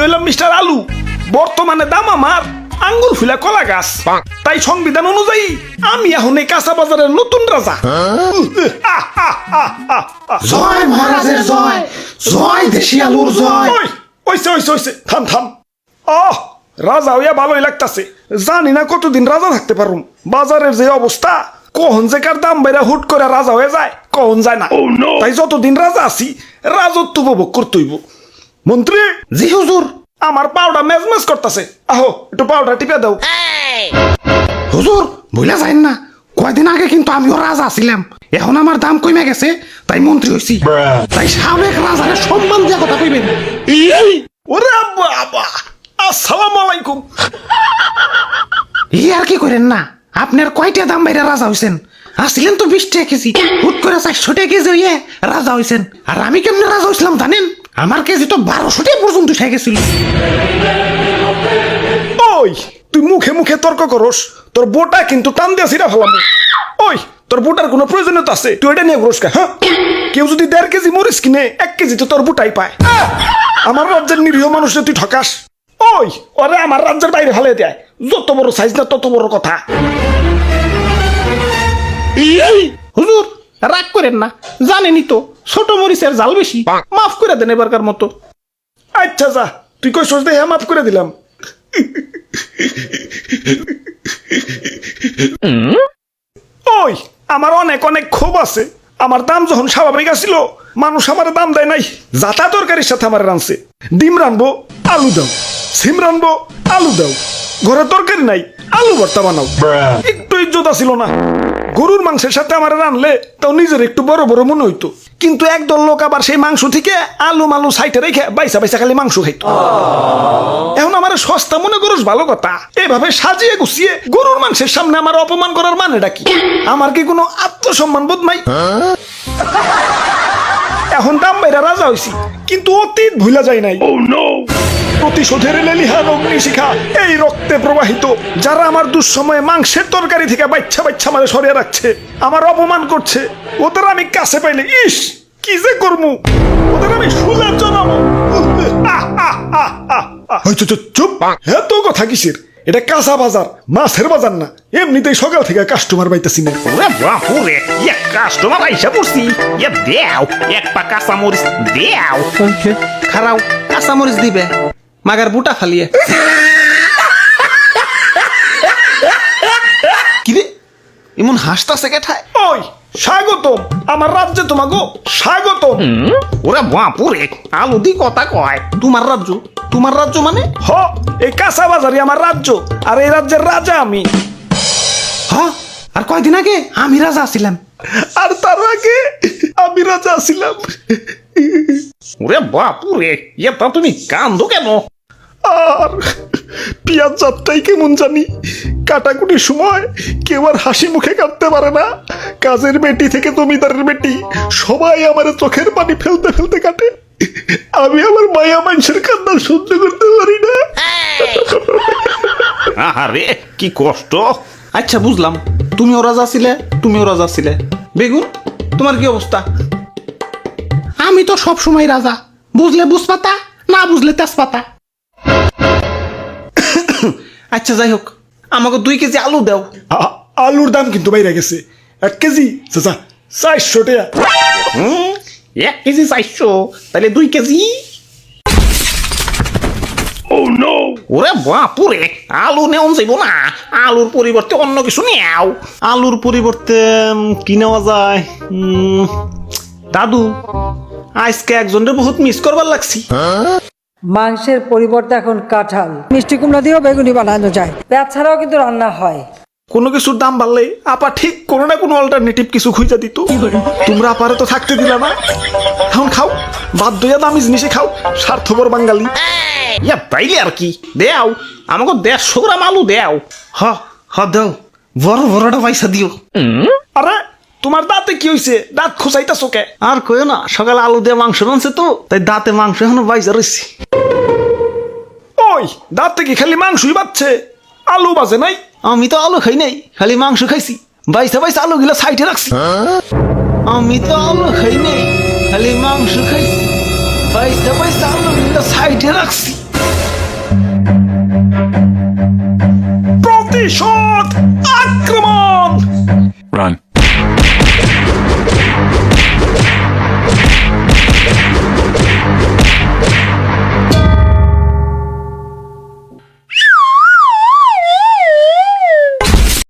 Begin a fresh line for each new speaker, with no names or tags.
হইলাম মিস্টার আলু, বর্তমানে দাম আমার আঙ্গুর ফুলা কলা গাছ। তাই সংবিধান অনুযায়ী আমি এখন এই কাঁচা বাজারের নতুন রাজা।
জয় মহারাজের জয়, জয় দেশি আলুর জয়।
ওইছে থাম থাম। রাজা হইয়া ভালোই লাগতাছে, জানি না কতদিন রাজা থাকতে পারুম। বাজারের যে অবস্থা, কখন যে কার দাম বাইরা হুট করে রাজা হয়ে যায় কখন যায় না। তাই যতদিন রাজা আছি রাজত্ব উপভোগ করতেইব। মন্ত্রী।
জি হুজুর।
আমার পাউডার মেজমেজ করতেছে, আহো একটু পাউডার টিপে দাও।
হুজুর ভুলে যাইন না, কয়দিন আগে কিন্তু আমিও রাজা ছিলাম, এখন আমার দাম কমে গেছে তাই মন্ত্রী হইছি। তাই সাবেক রাজারে সম্মান দিয়া কথা কইবেন।
ওরে বাবা, আসসালামু আলাইকুম।
আর কি করেন না, আপনার কয়টা দাম বাইরে রাজা হইছেন? আসছিলেন তো 20 টাকা কেজি, হুট করে 400 টাকা কেজি হইয়ে রাজা হইছেন। আর আমি কেমনে রাজা হইছিলাম জানেন? আমার কেজি তো 1200 টাকা পর্যন্ত উঠে গেছিল।
ওই তুই মুখে মুখে তর্ক করস, তোর বোটা কিন্তু টান দিয়ে ছিড়া ফেলাম। ওই তোর বোটার কোনো প্রয়োজনীয়তা আছে? তুই এটা নিয়ে ঘুরস কে? হ্যাঁ, কেউ যদি 1.5 কেজি মরিস কিনে 1 কেজি তো তোর বোটাই পায়। আমার রাজ্যের নিরীহ মানুষে তুই ঠকাস। ওই ওরে আমার রাজ্যের বাইরে ফেলে দেয়, যত বড় সাইজ না তত বড় কথা।
হুজুর রাগ করেন না, জানেনই তো ছোট মরিচের জাল বেশি, মাফ করে দেন এবারকার মতো।
আচ্ছা যা, তুই কই সোচ দেখে মাফ করে দিলাম। ওই আমার অনেক অনেক ক্ষোভ আছে। আমার দাম যখন স্বাভাবিক আসছিল, মানুষ আমার দাম দেয় নাই। যাতা তরকারির সাথে আমার রানছে, ডিম রানবো আলু দাও, সিম রানবো আলু দাও, ঘরে তরকারি নাই আলু ভর্তা বানাও। একটু ইজ্জত ছিল না। গরুর মাংসের সাথে আমার রানলে তাও নিজের একটু বড় বড় মনে হইতো, কিন্তু একদল লোক আবার সেই মাংস থেকে আলু মালু সাইটে রেখে বাইসা বাইসা খালি মাংস খাইতো। এখন আমার সস্তা মনে করস ভালো কথা, এভাবে সাজিয়ে গুছিয়ে গরুর মাংসের সামনে আমার অপমান করার মানেটা কি? আমার কি কোনো আত্মসম্মান বোধ নাই? এখন দাম বাইরা রাজা হইছি, কিন্তু অতীত ভুলা যায় নাই। প্রতিশোধের লেলিহান অগ্নিশিখা এই রক্তে প্রবাহিত। যারা আমার দুঃসময়ে মাংসের তরকারি থেকে বাচ্চা বাচ্চা মারে সরিয়ে রাখছে, আমার অপমান করছে, ওদের আমি কাছে পাইলে ইস কি যে করমু, ওদের আমি সুলে জানাবো। চুপ, এত কথা কিসের? এটা কাঁচা বাজার, মাছের বাজার না। এমনিতেই সকাল থেকে কাস্টমার পাইতেছি না।
ওরে বাপুরে, এক কাস্টমার আইসা পড়ছি। এ দেও এক পা কাঁচা মরিচ দেও।
খারাও কাঁচা মরিচ দিবে, মাগার বুটা ফালিয়ে। কিরে এমন হাসতাছে কেঠায়?
ওই স্বাগতম আমার রাজ্যে, তোমাগো স্বাগতম।
ওরে বাপুরে, আলু দি কথা কয়।
তোমার রাজ্য? তোমার রাজ্য মানে?
হ, এই কাঁচা বাজারই আমার রাজ্য, আর এই রাজ্যের রাজা আমি।
হ্যাঁ, আর কয়দিন আগে আমি রাজা ছিলাম।
আর তার আগে আমি রাজা ছিলাম।
ওরে বাপুরে, এটা তুমি কান্দো কেন?
আর পিয়াজ যাত্রাই কেমন জানি, কাটাকুটির সময় কেউ আর হাসি মুখে কাটতে পারে না। কাজের বেটি থেকে জমিদারের বেটি সবাই আমার চোখের পানি ফেলতে ফেলতে কাটে। আমি আমার মায়া মানুষের কান্না সহ্য করতে পারি না।
আরে কি কষ্ট।
আচ্ছা বুঝলাম, তুমিও রাজা ছিলে, তুমিও রাজা ছিলে। বেগুন তোমার কি অবস্থা? আমি তো সব সময় রাজা, বুঝলে বুঝপাতা, না বুঝলে তেজপাতা। আচ্ছা যাই হোক, আমাকে 2 কেজি আলু দাও।
আলুর দাম কিন্তু বাইরে গেছে। 1 কেজি চাচা 400 টাকা।
1 কেজি 400, তাহলে 2 কেজি। ওরে বাপুরে, আলু নেওয়া যাইব না, আলুর পরিবর্তে অন্য কিছু নেও।
আলুর পরিবর্তে কি নেওয়া যায়? দাদু, আজকে একজনের বহুত মিস করবার লাগছি।
মাংসের পরিবর্তে এখন কাঁঠাল, মিষ্টি কুমড়া দিয়েও বেগুনি বানানো যায়। পেঁয়াজ ছাড়াও কিন্তু রান্না হয়।
কোনো কিছুর দাম বাড়লে আপা ঠিক কোনো না কোনো অল্টারনেটিভ কিছু খুঁজে দিত। তোমরা আপারে তো থাকতে দিলা না, এখন খাও, বাধ্য হইয়া দামি জিনিসে খাও, স্বার্থপর বাঙালি।
ইয়া তাইলে আর কি, দেও আমাকে 150 গ্রাম আলু দেও।
হ দাও, বড় বড়টা পয়সা দিও।
আরে তোমার দাঁতে কি হইছে? দাঁত খোঁচাইতাছো কে?
আর কইও না, সকালে আলু দিয়ে মাংস রানছে তো, তাই দাঁতে মাংস এখনো বাইজা রয়েছে।
ওই দাঁতে কি খালি মাংসই বাচ্ছে, আলু বাজে নাই?
আমি তো আলু খাই নাই, খালি মাংস খাইছি। বাইসা বাইসা আলু গুলা সাইডে রাখছি। আমি তো আলু খাই নাই, খালি মাংস খাইছি। বাইসা বাইসা আলু গুলা সাইডে রাখছি।
প্রতিশোধ